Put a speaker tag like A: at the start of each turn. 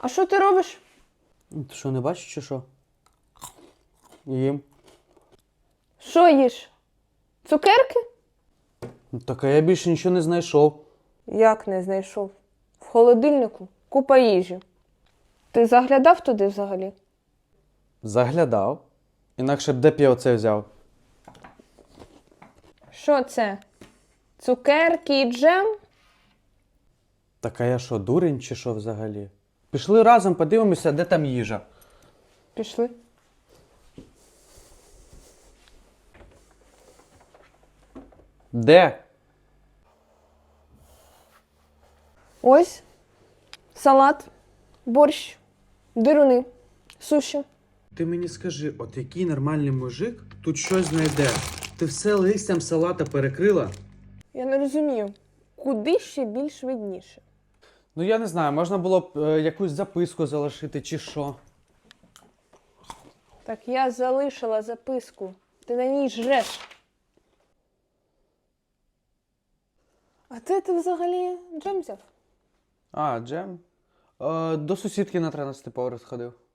A: А що ти робиш?
B: Ти що, не бачиш чи що? Їм.
A: Що їш? Цукерки?
B: Так, а я більше нічого не знайшов.
A: Як не знайшов? В холодильнику купа їжі. Ти заглядав туди взагалі?
B: Заглядав. Інакше б де б я оце взяв?
A: Що це? Цукерки і джем?
B: Так, а я що, дурень чи що взагалі? Пішли разом, подивимося, де там їжа.
A: Пішли.
B: Де?
A: Ось салат, борщ, дируни, суші.
B: Ти мені скажи, от який нормальний мужик тут щось знайде? Ти все листям салата перекрила?
A: Я не розумію, куди ще більш видніше?
B: Ну я не знаю, можна було б якусь записку залишити чи що.
A: Так я залишила записку. Ти на ній жреш. А де ти взагалі джем взяв?
B: А, джем? До сусідки на 13-й поверх сходив.